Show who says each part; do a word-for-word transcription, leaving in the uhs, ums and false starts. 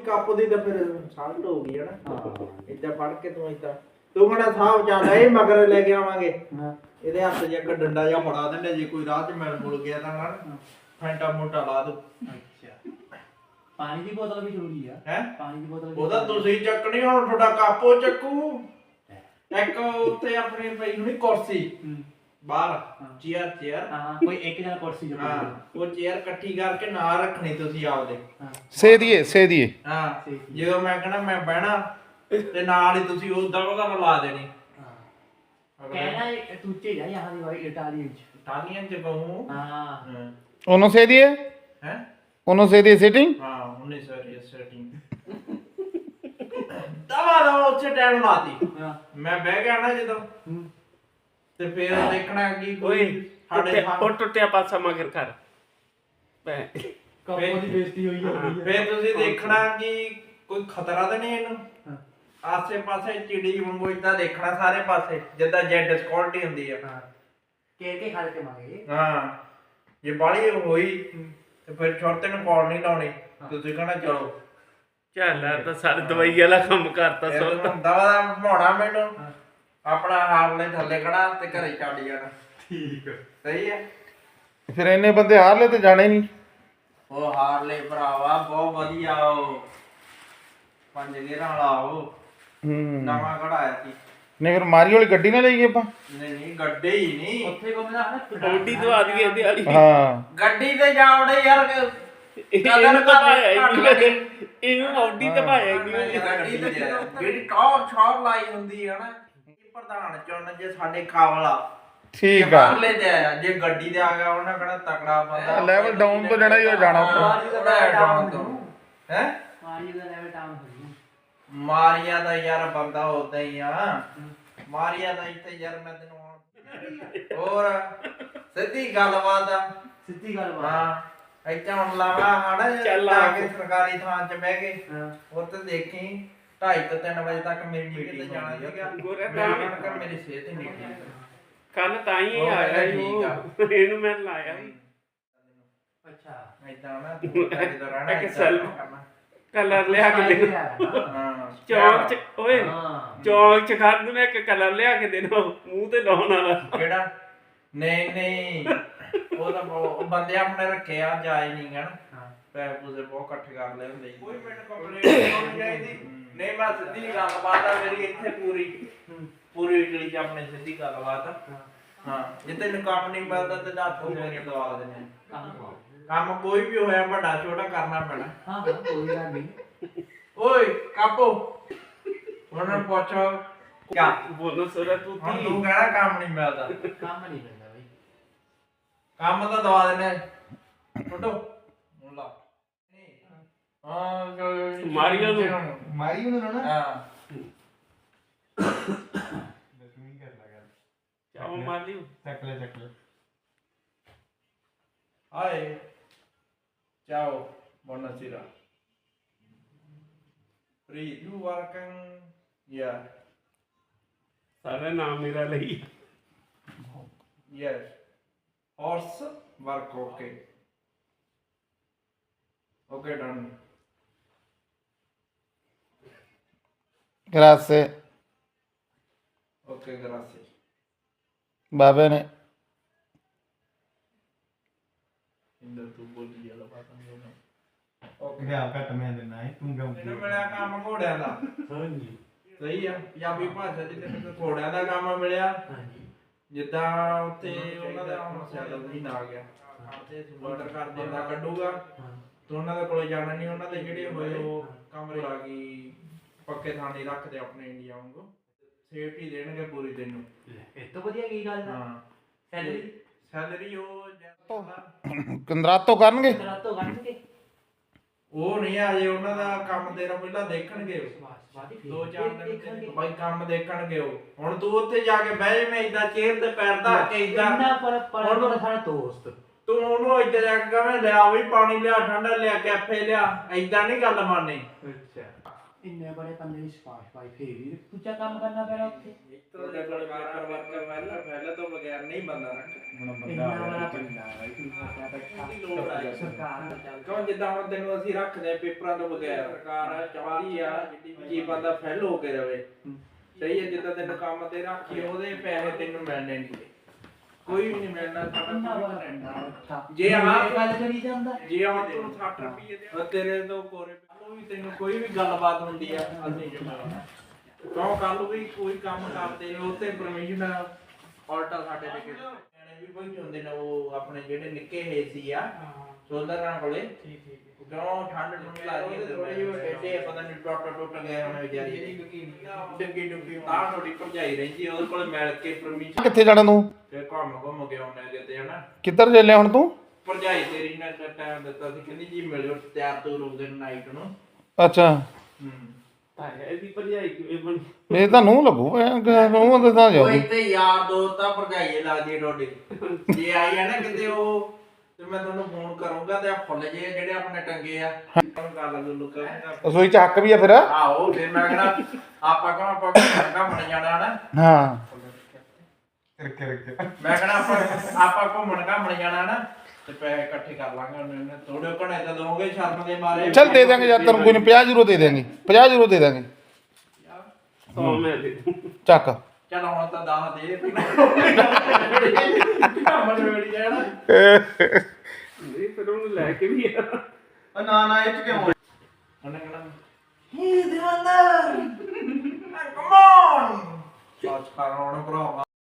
Speaker 1: Cup ਦੀ ਤਾਂ ਫਿਰ salt ਹੋ ਗਈ ਹੈ ਨਾ। ਹਾਂ ਇੱਦਾਂ ਫੜ ਕੇ ਤੂੰ ਇੱਦਾਂ ਤੂੰ ਕਹਿੰਦਾ ਸਾਹਬ ਚੱਲ ਇਹ ਮਗਰ ਲੈ ਕੇ ਆਵਾਂਗੇ। ਇਹਦੇ ਹੱਥ 'ਚ ਇੱਕ ਡੰਡਾ ਜਿਹਾ ਫੜਾ ਦਿੰਦੇ ਜੇ ਕੋਈ ਰਾਹ 'ਚ ਮਿਲ ਮੁਲ ਗਿਆ ਤਾਂ ਨਾ ਫੈਂਟਾ ਮੋਟਾ ਲਾ ਦੋ।
Speaker 2: ਅੱਛਾ ਪਾਣੀ ਦੀ ਬੋਤਲ ਵੀ ਜ਼ਰੂਰੀ ਆ।
Speaker 1: ਹੈ
Speaker 2: ਪਾਣੀ ਦੀ ਬੋਤਲ
Speaker 1: ਉਹਦਾ ਤੁਸੀਂ ਚੱਕਣੀ ਹੁਣ ਤੁਹਾਡਾ ਕੱਪ ਉਹ ਚੱਕੂ। ਇੱਕ ਉੱਤੇ ਆਪਣੀ ਪਈ ਹੋਣੀ ਕੁਰਸੀ ਬਾਹਰ ਚੇਅਰ ਚੇਅਰ
Speaker 2: ਹਾਂ ਕੋਈ ਇੱਕ ਜਣਾ ਕੁਰਸੀ ਜਮਾ
Speaker 1: ਹਾਂ ਉਹ ਚੇਅਰ ਇਕੱਠੀ ਕਰਕੇ ਨਾ ਰੱਖਣੀ ਤੁਸੀਂ ਆਪਦੇ
Speaker 3: ਸੇ ਦੀਏ ਸੇ ਦੀਏ
Speaker 1: ਹਾਂ ਜਦੋਂ ਮੈਂ ਕਹਣਾ ਮੈਂ ਬਹਿਣਾ ਤੇ ਨਾਲ ਹੀ ਤੁਸੀਂ ਉਦਾਂ ਉਹਦਾ ਲਾ ਦੇਣੀ।
Speaker 2: ਕਹਿਣਾ ਤੂੰ ਝੇੜਾ ਯਹਾਂ ਦੀ ਵਾਈ ਇਟਾਲੀ ਵਿੱਚ
Speaker 1: ਇਟਾਲੀਅਨ ਚ ਕਹੂੰ।
Speaker 2: ਹਾਂ
Speaker 3: ਉਹਨੂੰ ਸੇ ਦੀਏ
Speaker 1: ਹੈ
Speaker 3: ਉਹਨੂੰ ਸੇ ਦੀਏ ਸਿਟਿੰਗ
Speaker 1: ਹਾਂ ਉਹਨੇ ਸਰ ਸੈਟਿੰਗ ਦਵਾ ਦਵਾ ਉੱਥੇ ਟਾਈਮ ਲਾਤੀ। ਮੈਂ ਬਹਿ ਗਿਆ ਨਾ ਜਦੋਂ ਤੇ ਫੇਰ ਦੇਖਣਾ ਕੀ ਕੋਈ ਸਾਡੇ
Speaker 4: ਉਹ ਟੁੱਟਿਆ ਪਾਸਾ ਮਗਰ ਕਰ ਪੈ
Speaker 2: ਕੱਪਾਂ ਦੀ ਬੇਇੱਜ਼ਤੀ ਹੋਈ ਜਾਂਦੀ ਹੈ।
Speaker 1: ਫੇਰ ਤੁਸੀਂ ਦੇਖਣਾ ਕਿ ਕੋਈ ਖਤਰਾ ਤਾਂ ਨਹੀਂ ਇਹਨੂੰ। ਆਸੇ ਪਾਸੇ ਚਿੜੀ ਵਾਂਗੂ ਇਦਾਂ ਦੇਖਣਾ ਸਾਰੇ ਪਾਸੇ ਜਿੱਦਾਂ ਜੈਡ ਸਕਿਉਰਟੀ ਹੁੰਦੀ ਆ।
Speaker 2: ਹਾਂ ਕੇ ਕੇ ਖਾ ਕੇ ਮਾਂਗੇ।
Speaker 1: ਹਾਂ ਜੇ ਬਾਲੀ ਹੋਈ ਤੇ ਫਿਰ ਛੋਟੇ ਨੂੰ ਕਾਲ ਨਹੀਂ ਲਾਉਣੀ ਤੁਸੀਂ ਕਹਣਾ ਚਲੋ
Speaker 4: ਚੱਲ ਤਾਂ ਸਾਰੇ ਦਵਾਈ ਵਾਲਾ ਕੰਮ ਕਰਤਾ ਸੁਣ
Speaker 1: ਦਵਾ ਦਾ ਭਾਉਣਾ ਮੈਨੂੰ ਆਪਣਾ ਹਾਰਲੇ ਥੱਲੇ ਖੜਾ ਤੇ ਘਰੇ ਛੱਡ ਜਾਣਾ।
Speaker 2: ਠੀਕ
Speaker 1: ਸਹੀ ਹੈ।
Speaker 3: ਫਿਰ ਇੰਨੇ ਬੰਦੇ ਹਾਰਲੇ ਤੇ ਜਾਣੇ ਨਹੀਂ।
Speaker 1: ਉਹ ਹਾਰਲੇ ਭਰਾਵਾ ਬਹੁਤ ਵਧੀਆ ਉਹ ਪੰਜ ਗੇਰਾਂ ਵਾਲਾ ਉਹ
Speaker 3: ਹੂੰ
Speaker 1: ਨਵਾਂ ਕਢਾਇਆ ਸੀ।
Speaker 3: ਨਹੀਂ ਫਿਰ ਮਾਰੀ ਵਾਲੀ ਗੱਡੀ ਨਾ ਲਈਏ ਆਪਾਂ।
Speaker 1: ਨਹੀਂ ਨਹੀਂ ਗੱਡੀ ਹੀ ਨਹੀਂ
Speaker 2: ਉੱਥੇ ਕੋਮਦਾ ਨਾ
Speaker 4: ਔਡੀ ਦਵਾ ਦਈਏ ਇਹਦੇ ਵਾਲੀ
Speaker 3: ਹਾਂ
Speaker 1: ਗੱਡੀ ਤੇ ਜਾਵੜੇ ਯਾਰ
Speaker 4: ਇਹਨੂੰ ਤਾਂ ਭਾਇਆ ਹੀ ਨਹੀਂ ਇਹਨੂੰ ਔਡੀ ਤਾਂ ਭਾਇਆ ਹੀ ਨਹੀਂ।
Speaker 1: ਗੱਡੀ ਤੇ ਜਿਹੜੀ ਟੌਰ ਛੌਰ ਲਾਈ ਹੁੰਦੀ ਹੈ ਨਾ ਪ੍ਰਧਾਨ ਚੁਣ ਜੇ ਸਾਡੇ ਕਾਬਲਾ
Speaker 3: ਠੀਕ ਆ
Speaker 1: ਹਾਰਲੇ ਤੇ ਆਇਆ ਜੇ ਗੱਡੀ ਤੇ ਆ ਗਿਆ ਉਹਨਾਂ ਕਿਹੜਾ ਤਕੜਾ ਬੰਦਾ
Speaker 3: ਲੈਵਲ ਡਾਊਨ ਤੋਂ ਜਿਹੜਾ ਹੀ ਹੋ ਜਾਣਾ
Speaker 1: ਉਹਦਾ ਡਾਊਨ ਤੋਂ ਹੈ
Speaker 2: ਮਾਰੀ ਦਾ ਲੈਵਲ ਡਾਊਨ ਹੋ ਗਿਆ।
Speaker 1: ਮਾਰੀਆ ਦਾ ਯਾਰ ਬੰਦਾ ਉਦਾਂ ਹੀ ਆ। ਮਾਰੀਆ ਦਾ ਇੱਥੇ ਯਾਰ ਮੈਂ ਤੈਨੂੰ ਹੋਰ ਸਿੱਧੀ ਗੱਲਬਾਤ ਆ।
Speaker 2: ਸਿੱਧੀ ਗੱਲ ਬਾਤ
Speaker 1: ਹਾਂ ਇੱਥੇ ਹੁਣ ਲਾਵਾ ਹੜ
Speaker 4: ਚੱਲ
Speaker 1: ਆ
Speaker 4: ਆ
Speaker 1: ਕੇ ਸਰਕਾਰੀ ਥਾਂ 'ਚ ਬਹਿ ਕੇ
Speaker 2: ਹਾਂ
Speaker 1: ਉੱਥੇ ਦੇਖੀ ਢਾਈ ਤੋਂ ਤਿੰਨ ਵਜੇ ਤੱਕ ਮੇਰੀ ਡਿਊਟੀ ਤੇ ਜਾਣਾ ਸੀਗਾ।
Speaker 4: ਗੋਰਾ
Speaker 1: ਮੈਂ ਉਹਨਾਂ ਕਰ ਮੇਰੀ ਸਿਹਤ ਹੀ ਨਹੀਂ ਠੀਕ।
Speaker 4: ਕੱਲ ਤਾਂ ਹੀ ਆਇਆ ਸੀ ਉਹ ਇਹਨੂੰ ਮੈਂ ਲਾਇਆ ਸੀ
Speaker 2: ਅੱਛਾ
Speaker 1: ਏਦਾਂ ਨਾ ਤੂੰ ਤਾਂ ਜਦੋਂ ਰਹਿਣਾ
Speaker 4: ਇੱਕ
Speaker 1: ਏਦਾਂ
Speaker 4: ਸੈਲ-
Speaker 1: ਕਰਨਾ।
Speaker 4: ਕਲਰ ਲਿਆ ਕੇ ਦੇ
Speaker 1: ਹਾਂ
Speaker 4: ਚੌਕ ਚ ਓਏ
Speaker 2: ਹਾਂ
Speaker 4: ਚੌਕ ਚ ਖੜ ਨੂੰ ਇੱਕ ਕਲਰ ਲਿਆ ਕੇ ਦੇਣਾ ਮੂੰਹ ਤੇ ਲਾਉਣ ਵਾਲਾ।
Speaker 1: ਕਿਹੜਾ ਨਹੀਂ ਨਹੀਂ ਉਹ ਤਾਂ ਬਹੁਤ- ਉਹ ਬੰਦੇ ਆਪਣੇ ਰੱਖੇ ਆ ਜਾਏ ਨਹੀਂ ਗਣ
Speaker 2: ਹਾਂ
Speaker 1: ਪੈਸੇ ਪੂਸੇ ਬਹੁਤ ਇਕੱਠੇ ਕਰ ਲਏ ਹੁੰਦੇ ਕੋਈ ਮੈਨੂੰ ਕੰਪਲੇਂਟ ਨਹੀਂ ਚਾਹੀਦੀ। ਨਹੀਂ ਮੈਂ ਸਿੱਧੀ ਗੱਲਬਾਤ ਆ ਮੇਰੀ ਇੱਥੇ ਪੂਰੀ ਪੂਰੀ ਇਟਲੀ ਚ ਆਪਣੇ ਸਿੱਧੀ ਗੱਲਬਾਤ ਆ। ਹਾਂ ਜੇ ਤੈਨੂੰ ਕੰਮ ਨਹੀਂ ਮਿਲਦਾ ਤੇ ਦੱਸ ਤੂੰ ਮੇਰੇ ਦਵਾ ਦੇਣੇ
Speaker 2: ਕੰਮ
Speaker 1: ਕੰਮ ਕੋਈ ਵੀ ਹੋਇਆ ਵੱਡਾ ਛੋਟਾ ਕਰਨਾ ਪੈਣਾ।
Speaker 2: ਹਾਂ ਹਾਂ ਕੋਈ ਗੱਲ ਨਹੀਂ।
Speaker 1: ਓਏ ਕਾਪੋ ਉਹਨਾਂ ਨੂੰ ਪੁੱਛ ਕਿਆ
Speaker 4: ਬੋਲੋ ਸੋਰਾ ਤੂੰ
Speaker 1: ਹੁਣ
Speaker 4: ਕੀ
Speaker 1: ਤੂੰ ਕਹਿਣਾ ਕੰਮ ਨਹੀਂ ਮਿਲਦਾ
Speaker 2: ਕੰਮ ਨਹੀਂ ਮਿਲਦਾ ਬਈ।
Speaker 1: ਕੰਮ ਤਾਂ ਦਵਾ ਦੇਣੇ ਫੋਟੋ ਹੁਣ ਲਾ ਹਾਂ
Speaker 4: ਮਾਰੀਓ ਨੂੰ।
Speaker 3: ਮਾਰੀ ਉਹਨੂੰ ਨਾ
Speaker 1: ਹਾਂ
Speaker 3: ਦਸਵੀਂ ਕਰ ਲਗਾ
Speaker 4: ਚਾਹ ਮਾਰ ਲਿਓ
Speaker 3: ਚੱਕ ਲੈ ਚੱਕ ਲੈ
Speaker 1: ਹਾਏ ciao buonasera Free you working yeah
Speaker 4: ਸਾਰਾ ਨਾਮ ਮੇਰਾ ਲਈ
Speaker 1: yes horse work okay okay done
Speaker 3: ਗ੍ਰਾਸੇ
Speaker 1: okay grazie
Speaker 3: ਬਾਬੇ ਨੇ
Speaker 1: ਇੰਦਰ ਤੂੰ ਬੋਲੀ ਜਾਲਾ ਬਾਤਾਂ ਨਹੀਂ ਹੋਣਾ okay
Speaker 3: ਗਿਆ ਘਟ ਮੈਂ ਦੇਣਾ ਹੈ ਤੂੰ ਕਿਉਂ
Speaker 1: ਮੈਨੂੰ ਮਿਲਿਆ ਕੰਮ ਘੋੜਿਆਂ ਦਾ
Speaker 2: ਹਾਂਜੀ
Speaker 1: ਸਹੀ ਆ ਪੰਜਾਬੀ ਭਾਸ਼ਾ ਚ ਤੈਨੂੰ ਘੋੜਿਆਂ ਦਾ ਕੰਮ ਮਿਲਿਆ
Speaker 2: ਹਾਂਜੀ
Speaker 1: ਜਿੱਦਾਂ ਉੱਥੇ ਉਹਨਾਂ ਦਾ ਹੁਣ ਸੈਲਰ ਨਹੀਂ ਆ ਗਿਆ ਕਰਦੇ ਬਾਰਡਰ ਕਰਦੇ ਦਾ ਕੱਢੂਗਾ
Speaker 2: ਹਾਂ
Speaker 1: ਤੇ ਉਹਨਾਂ ਦੇ ਕੋਲੇ ਜਾਣਾ ਨਹੀਂ। ਉਹਨਾਂ ਦੇ ਜਿਹੜੇ ਹੋਏ ਉਹ ਕਮਰੇ ਲਾ ਕੇ ਪੱਕੇ ਥਾਣੇ ਰੱਖਦੇ ਆਪਣੇ ਇੰਡੀਆ ਵਾਂਗੂ ਸੇਫਟੀ ਦੇਣਗੇ ਪੂਰੀ ਤੈਨੂੰ।
Speaker 2: ਇਹ ਤੋਂ ਵਧੀਆ ਕੀ ਗੱਲ ਦਾ
Speaker 1: ਹਾਂ
Speaker 2: ਸੈਲਰੀ
Speaker 1: ਸੈਲਰੀ ਉਹ ਜਿਆਦਾ
Speaker 3: ਕੰਦਰਾਤੋ ਕਰਨਗੇ
Speaker 2: ਰਾਤੋਂ ਕੱਢ ਕੇ
Speaker 1: ਉਹ ਨਹੀਂ ਆ ਜੇ ਉਹਨਾਂ ਦਾ ਕੰਮ ਤੇਰਾ ਪਹਿਲਾਂ ਦੇਖਣਗੇ ਉਹ।
Speaker 2: ਬਾਦੀ ਫੇਰ
Speaker 1: ਦੋ ਚਾਰ ਦਿਨ
Speaker 2: ਦੇਖਣਗੇ।
Speaker 1: ਬਾਈ ਕੰਮ ਦੇਖਣਗੇ ਉਹ। ਹੁਣ ਤੂੰ ਉੱਥੇ ਜਾ ਕੇ ਬਹਿ ਜਾਵੇਂ ਇਦਾਂ ਚੇਅਰ ਤੇ ਪੈਰ ਧਰ ਕੇ ਇਦਾਂ
Speaker 2: ਇੰਨਾ ਪਰ ਪਰ ਉਹਦਾ ਸਾਡਾ ਦੋਸਤ
Speaker 1: ਤੂੰ ਉਹਨੂੰ ਇੱਧਰ ਜਾ ਕੇ ਕਵੇਂ ਲਿਆ ਵੀ ਪਾਣੀ ਲਿਆ ਠੰਡਾ ਲਿਆ ਕੈਫੇ ਲਿਆ ਇਦਾਂ ਨਹੀਂ ਗੱਲ ਮੰਨਣੀ।
Speaker 2: ਅੱਛਾ ਇੰਨੇ ਬੜੇ ਪੰਨੇ ਦੀ ਸਪਾਸ਼ ਪਾਈ ਫੇਰ ਵੀ ਦੂਜਾ ਕੰਮ ਕਰਨਾ ਪੈਣਾ ਉੱਥੇ
Speaker 1: ਤੁਹਾਡੇ ਕੋਲ ਵਾਕਰ ਵਾਕਰ ਪਹਿਲਾਂ ਪਹਿਲਾਂ ਤੋਂ ਬਗੈਰ ਨਹੀਂ ਬੰਦਾ ਰੱਖ
Speaker 2: ਇੰਨਾ ਬੜਾ ਪੰਨਾ ਹੈ ਤੂੰ ਕਿਆ ਬੈਠਾ
Speaker 1: ਲੋੜ ਆ
Speaker 2: ਸਰਕਾਰ ਦਾ ਚੱਲ
Speaker 1: ਕਿਉਂ ਜਿੱਦਾਂ ਹੁਣ ਤੈਨੂੰ ਅਸੀਂ ਰੱਖਦੇ ਆ ਪੇਪਰਾਂ ਤੋਂ ਬਗੈਰ ਸਰਕਾਰ ਚਾਹਦੀ ਆ ਕੀ ਬੰਦਾ ਫੈਲ ਹੋ ਕੇ ਰਵੇ ਸਹੀ ਹੈ ਜਿੱਦਾਂ ਤੈਨੂੰ ਕੰਮ ਤੇ ਰੱਖੀ ਉਹਦੇ ਪੈਸੇ ਤੈਨੂੰ ਮਿਲਣੇ ਨਹੀਂ ਕੋਈ ਵੀ ਨਹੀਂ ਮਿਲਣਾ
Speaker 2: ਇੰਨਾ ਬੜਾ ਪੰਨਾ
Speaker 1: ਜੇ ਆਹ
Speaker 2: ਗੱਲ ਕਰੀ ਜਾਂਦਾ
Speaker 1: ਜੇ ਹੁਣ ਤੂੰ ਸੱਠ ਰੁਪਏ ਦੇ ਤੇਰੇ ਤੋਂ ਕੋਰੇ ਕੱਲ ਵੀ ਤੈਨੂੰ ਕੋਈ ਵੀ ਗੱਲਬਾਤ ਹੁੰਦੀ ਆ ਅਸੀਂ ਜਮਾਉਣਾ ਕਿਉਂ ਕੱਲ ਵੀ ਕੋਈ ਕੰਮ ਕਰਦੇ ਹੋ ਤੇ ਪਰਮਿਸ਼ਨ ਆਲਟਾ ਸਾਡੇ ਦੇ ਨਿਆਣੇ ਵੀ ਕੋਈ ਹੁੰਦੇ ਨੇ ਉਹ ਆਪਣੇ ਜਿਹੜੇ ਨਿੱਕੇ ਹੈ ਸੀ ਆ ਸੋਲਰਾਂ ਕੋਲੇ ਠੀਕ ਠੀਕ ਕਿਉਂ ਠੰਡ ਨੂੰ ਲੱਗਦੀ ਹੈ ਥੋੜੀ ਜਿਹੀ ਟੇਡੇ ਪਤਾ ਨਹੀਂ ਟੁੱਟ ਟੁੱਟ ਗਏ ਹੁਣ ਵਿਚਾਰੀ ਡੱਗੀ ਡੁੱਗੀ ਤਾਂ ਥੋੜੀ ਭਰਜਾਈ ਰਹਿੰਦੀ ਉਹਦੇ ਕੋਲ ਮਿਲ ਕੇ ਪਰਮਿਸ਼ਨ
Speaker 3: ਕਿੱਥੇ ਜਾਣਾ ਤੂੰ
Speaker 1: ਫਿਰ ਘੁੰਮ ਘੁੰਮ ਕੇ ਆਉਣਾ ਕਿਤੇ ਹਨਾ
Speaker 3: ਕਿੱਧਰ ਚੱਲਿਆ ਹੁਣ ਤੂੰ
Speaker 1: ਭਰਜਾਈ ਤੇਰੀ ਨੇ ਟਾਈਮ ਦਿੱਤਾ ਸੀ ਕਹਿੰਦੀ ਜੀ ਮਿਲਿਓ ਤਿਆਰ ਤੋਂ ਰੁਕ ਦੇ ਨਾਈਟ ਨੂੰ
Speaker 3: ਅੱਛਾ
Speaker 1: ਹੂੰ
Speaker 4: ਇਹਦੀ ਭਰਜਾਈ ਕਿਵੇਂ ਬਣੀ
Speaker 3: ਇਹ ਤਾਂ ਨੂੰ ਲੱਗੂ ਉਹ ਤਾਂ ਤਾਂ
Speaker 1: ਉਹ
Speaker 3: ਜਾਊਗੀ
Speaker 1: ਇੱਥੇ ਯਾਰ ਦੋਸਤ ਆ ਭਰਜਾਈ ਲੱਗਦੀ ਡੋਡੀ ਜੇ ਆਈ ਆ ਨਾ ਕਿਤੇ ਉਹ ਤੇ ਮੈਂ ਤੁਹਾਨੂੰ ਫੋਨ ਕਰੂੰਗਾ ਤੇ ਆ ਫੁੱਲ ਜੇ ਜਿਹੜੇ ਆਪਣੇ ਟੰਗੇ ਆ ਗੱਲ ਗੁੱਲ ਕਰਾਂਗਾ
Speaker 3: ਰਸੋਈ ਚ ਹੱਕ ਵੀ ਆ ਫਿਰ
Speaker 1: ਆਹੋ ਫਿਰ ਮੈਂ ਕਹਣਾ ਆਪਾਂ ਕਹਾਂ ਆਪਾਂ ਘੁੰਮਣ ਜਾਣਾ ਨਾ
Speaker 3: ਹਾਂ
Speaker 1: ਮੈਂ ਕਹਣਾ ਆਪਾਂ ਆਪਾਂ ਘੁੰਮਣ ਘੁੰਮਣ ਜਾਣਾ ਨਾ ਤੇ ਪੈਸੇ ਇਕੱਠੇ ਕਰ ਲਾਂਗੇ ਉਹਨੇ ਥੋੜੇ ਘਣੇ ਤਾਂ ਦੋਗੇ ਸ਼ਰਮ ਦੇ ਮਾਰੇ
Speaker 3: ਚੱਲ ਦੇ ਦਾਂਗੇ ਯਾਰ ਤੈਨੂੰ ਕੋਈ ਨਹੀਂ ਪੰਜਾਹ ਯੂਰੋ ਦੇ ਦਾਂਗੇ ਪੰਜਾਹ ਯੂਰੋ ਦੇ ਦਾਂਗੇ
Speaker 4: ਸੌ ਮੈਂ ਦੇ
Speaker 3: ਚੱਕ
Speaker 1: ਚੱਲ ਹੁਣ ਤਾਂ ਦਸ ਦੇ ਘੁੰਮਣ ਵੇੜੀ ਜਾਣਾ
Speaker 4: ਨਹੀਂ ਫਿਰ ਉਹਨੂੰ ਲੈ ਕੇ ਵੀ ਆ
Speaker 3: ਨਾ ਨਾ ਇਹ ਚ ਕਿਉਂ
Speaker 1: ਉਹਨੇ ਕਹਣਾ ਹੀ ਦਿਵਾਨਾ ਕਮ ਔਨ ਸੱਚ ਕਰਾਉਣ ਭਰਾਵਾ